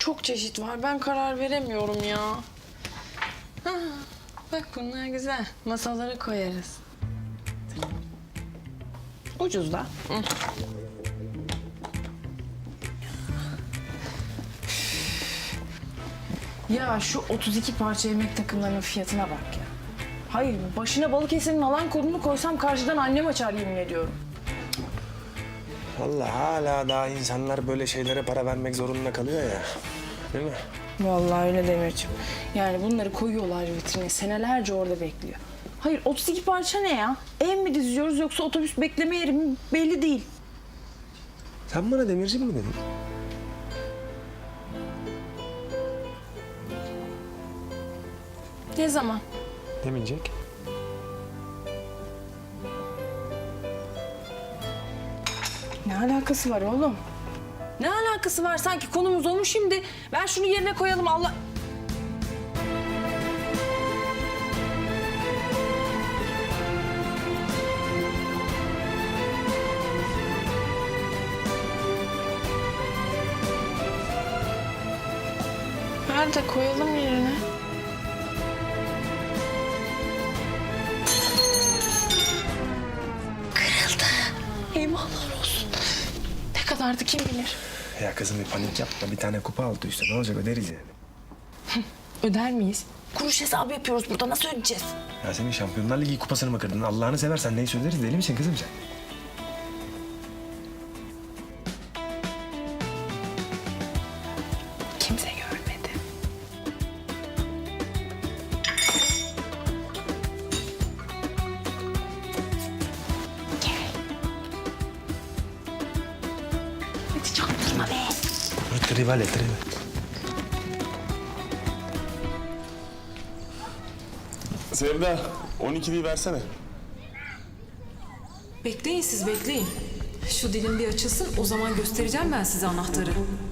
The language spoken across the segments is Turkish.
çok çeşit var. Ben karar veremiyorum ya. Ha, bak bunlar güzel. Masalara koyarız. Ucuz da. Hı. Ya şu 32 parça yemek takımlarının fiyatına bak ya. Hayır, başına Balıkesir'in alan kodunu koysam karşıdan annem açar yemin ediyorum. Vallahi hala daha insanlar böyle şeylere para vermek zorunda kalıyor ya. Değil mi? Vallahi öyle Demirciğim. Yani bunları koyuyorlar vitrine, senelerce orada bekliyor. Hayır, 32 parça ne ya? Ev mi diziyoruz yoksa otobüs bekleme yeri mi belli değil. Sen bana demirci mi dedin? Ne zaman? Demeyecek. Ne alakası var oğlum? Ne alakası var? Sanki konumuz o mu şimdi? Ver şunu yerine koyalım Allah... Ver de koyalım yerine. Kırıldı. Eyvallah olsun. Ne kadardı kim bilir? Ya kızım bir panik yapma. Bir tane kupa altı üstü. Ne olacak öderiz yani. Öder miyiz? Kuruş hesabı yapıyoruz burada. Nasıl ödeyeceğiz? Ya senin Şampiyonlar Ligi kupasını mı kırdın? Allah'ını seversen neyse öderiz. Deli misin kızım sen? Kimse görmedi. Gel. Hadi çaktırma be. Tribale. Sevda, 12'liyi versene. Bekleyin siz bekleyin. Şu dilim bir açılsın o zaman göstereceğim ben size anahtarı.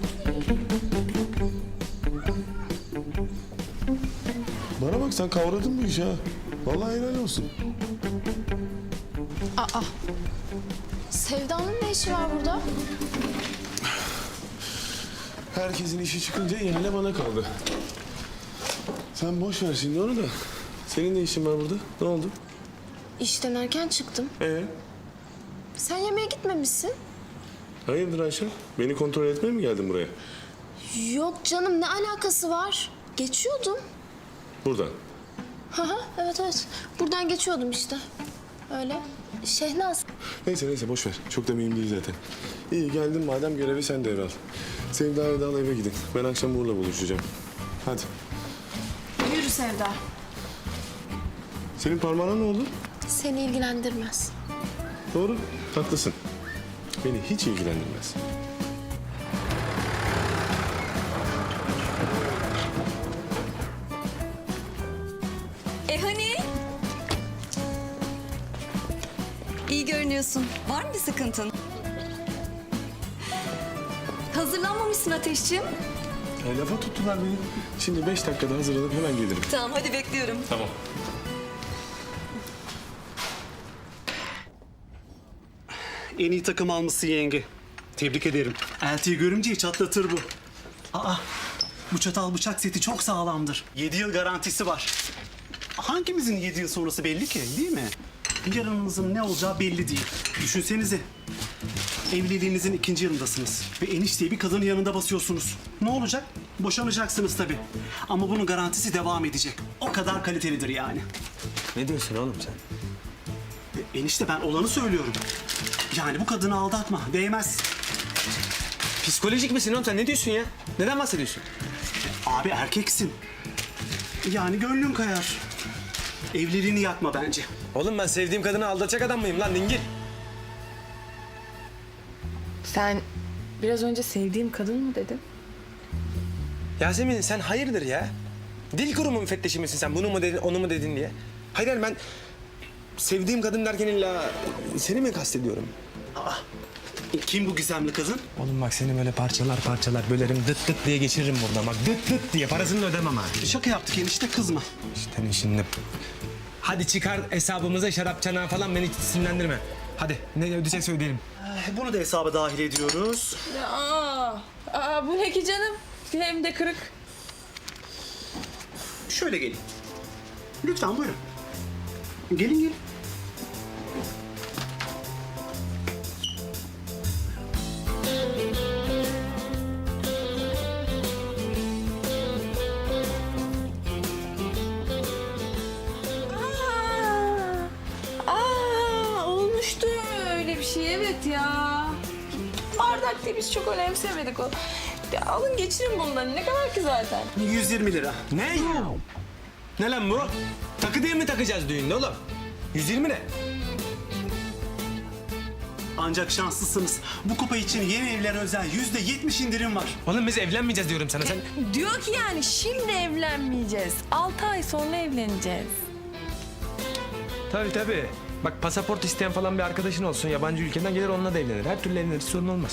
Bana bak sen kavradın bu işi ha. Vallahi helal olsun. Sevda'nın ne işi var burada? Herkesin işi çıkınca ihale bana kaldı. Sen boş ver şimdi onu da. Senin ne işin var burada? Ne oldu? İşten erken çıktım. Sen yemeğe gitmemişsin. Hayırdır Ayşe? Beni kontrol etmeye mi geldin buraya? Yok canım, ne alakası var? Geçiyordum. Buradan. Evet. Buradan geçiyordum işte. Öyle. Şehnaz. Neyse boş ver. Çok da mühim değil zaten. İyi geldin madem görevi sen devral. Sevda'yı da al eve gidin. Ben akşam Uğur'la buluşacağım. Hadi. Yürü Sevda. Senin parmağına ne oldu? Seni ilgilendirmez. Doğru. Haklısın. Beni hiç ilgilendirmez. Hani? İyi görünüyorsun. Var mı bir sıkıntın? Hazırlanmamışsın Ateşciğim. Lafa tuttular beni. Şimdi 5 dakikada hazırlanıp hemen gelirim. Tamam hadi bekliyorum. Tamam. En iyi takım almışsın yenge. Tebrik ederim. Eltiyi görümceyi çatlatır bu. Bu çatal bıçak seti çok sağlamdır. 7 yıl garantisi var. Hangimizin 7 yıl sonrası belli ki, değil mi? Yarınınızın ne olacağı belli değil. Düşünsenize. Evliliğinizin 2. yılındasınız. Ve enişteyi bir kadının yanında basıyorsunuz. Ne olacak? Boşanacaksınız tabii. Ama bunun garantisi devam edecek. O kadar kalitelidir yani. Ne diyorsun oğlum sen? Enişte ben olanı söylüyorum. Yani bu kadını aldatma, değmez. Psikolojik misin oğlum sen? Ne diyorsun ya? Neden bahsediyorsun? Abi erkeksin. Yani gönlün kayar. Evliliğini yakma bence. Oğlum ben sevdiğim kadını aldatacak adam mıyım lan dingil? Sen biraz önce sevdiğim kadın mı dedin? Yasemin sen hayırdır ya? Dil kurumu müfettişi misin sen? Bunu mu dedin, onu mu dedin diye? Hayır ben sevdiğim kadın derken illa seni mi kastediyorum? Kim bu gizemli kadın? Oğlum bak seni böyle parçalar bölerim dıt dıt diye geçiririm buradan. Bak dıt diye parasını da ödemem ha. Şaka yaptık enişte, kızma. İşte şimdi. Hadi çıkar hesabımıza şarap çanağı falan beni hiç sinirlendirme. Hadi ne ödeyecekse ödeyelim. Bunu da hesaba dahil ediyoruz. Bu ne ki canım? Hem de kırık. Şöyle gelin. Lütfen buyurun. Gelin gelin. Olmuştu öyle bir şey, evet ya. Bardak değil, biz çok önemsemedik o. Ya alın geçirin bundan, ne kadar ki zaten. 120 lira. Ne? Ne lan bu? Takı diye mi takacağız düğünde oğlum? 120 ne? Ancak şanslısınız. Bu kupa için yeni evlere özel %70 indirim var. Oğlum biz evlenmeyeceğiz diyorum sana sen. Diyor ki yani şimdi evlenmeyeceğiz. 6 ay sonra evleneceğiz. Tabii tabii. Bak pasaport isteyen falan bir arkadaşın olsun. Yabancı ülkeden gelir onunla da evlenir. Her türlü evlenir, sorun olmaz.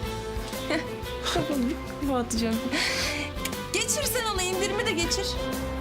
Bu atacağım. Geçir sen ona, indirimi de geçir.